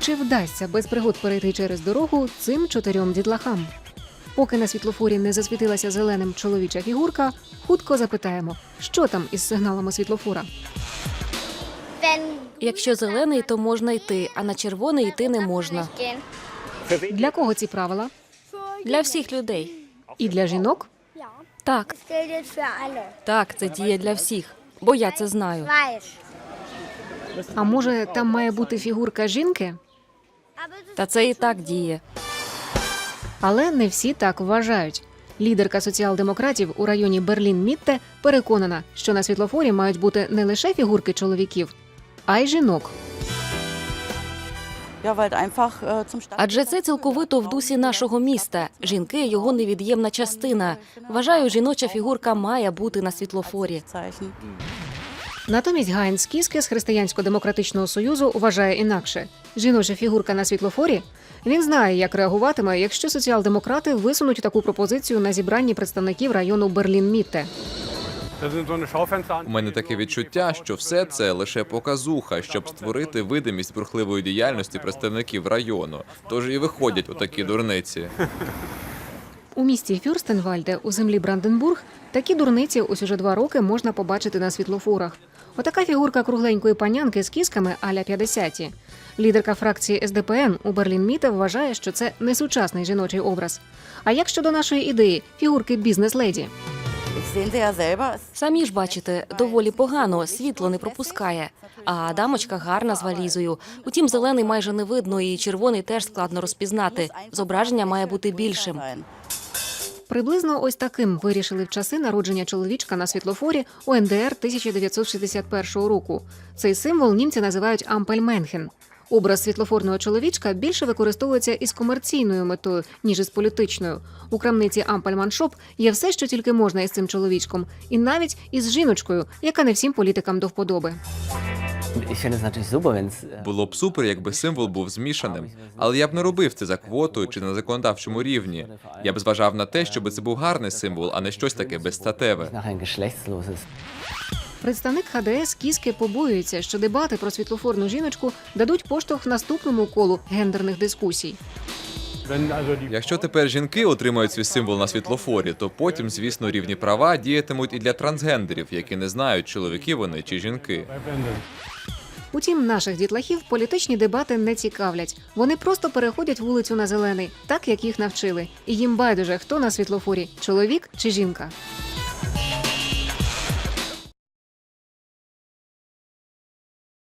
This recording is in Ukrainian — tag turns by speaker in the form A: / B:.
A: чи вдасться без пригод перейти через дорогу цим 4 дітлахам? Поки на світлофорі не засвітилася зеленим чоловіча фігурка, хутко запитаємо, що там із сигналами світлофора.
B: Якщо зелений, то можна йти, а на червоний йти не можна.
A: Для кого ці правила?
B: Для всіх людей.
A: І для жінок?
B: Так, так, це діє для всіх, бо я це знаю.
A: А може, там має бути фігурка жінки?
B: Та це і так діє.
A: Але не всі так вважають. Лідерка соціал-демократів у районі Берлін-Мітте переконана, що на світлофорі мають бути не лише фігурки чоловіків, а й жінок.
B: Адже це цілковито в дусі нашого міста. Жінки – його невід'ємна частина. Вважаю, жіноча фігурка має бути на світлофорі.
A: Натомість Гайнц Кіске з Християнсько-демократичного союзу вважає інакше. Жіноча фігурка на світлофорі? Він знає, як реагуватиме, якщо соціал-демократи висунуть таку пропозицію на зібранні представників району Берлін-Мітте.
C: У мене таке відчуття, що все це лише показуха, щоб створити видимість бурхливої діяльності представників району. Тож і виходять отакі дурниці.
A: У місті Фюрстенвальде у землі Бранденбург такі дурниці ось уже 2 роки можна побачити на світлофорах. Отака фігурка кругленької панянки з кісками а-ля 50-ті. Лідерка фракції СДПН у Берлін-Мітте вважає, що це не сучасний жіночий образ. А як щодо нашої ідеї – фігурки бізнес-леді?
B: Самі ж бачите, доволі погано, світло не пропускає. А дамочка гарна з валізою. Утім, зелений майже не видно і червоний теж складно розпізнати. Зображення має бути більшим.
A: Приблизно ось таким вирішили в часи народження чоловічка на світлофорі у НДР 1961 року. Цей символ німці називають «Ампельменхен». Образ світлофорного чоловічка більше використовується із комерційною метою, ніж із політичною. У крамниці «Ампельманшоп» є все, що тільки можна із цим чоловічком. І навіть із жіночкою, яка не всім політикам до вподоби.
C: Було б супер, якби символ був змішаним. Але я б не робив це за квотою чи на законодавчому рівні. Я б зважав на те, щоб це був гарний символ, а не щось таке безстатеве.
A: Представник ХДС Кіске побоюється, що дебати про світлофорну жіночку дадуть поштовх наступному колу гендерних дискусій.
C: Якщо тепер жінки отримають свій символ на світлофорі, то потім, звісно, рівні права діятимуть і для трансгендерів, які не знають, чоловіки вони чи жінки.
A: Утім, наших дітлахів політичні дебати не цікавлять. Вони просто переходять вулицю на зелений, так як їх навчили. І їм байдуже, хто на світлофорі – чоловік чи жінка.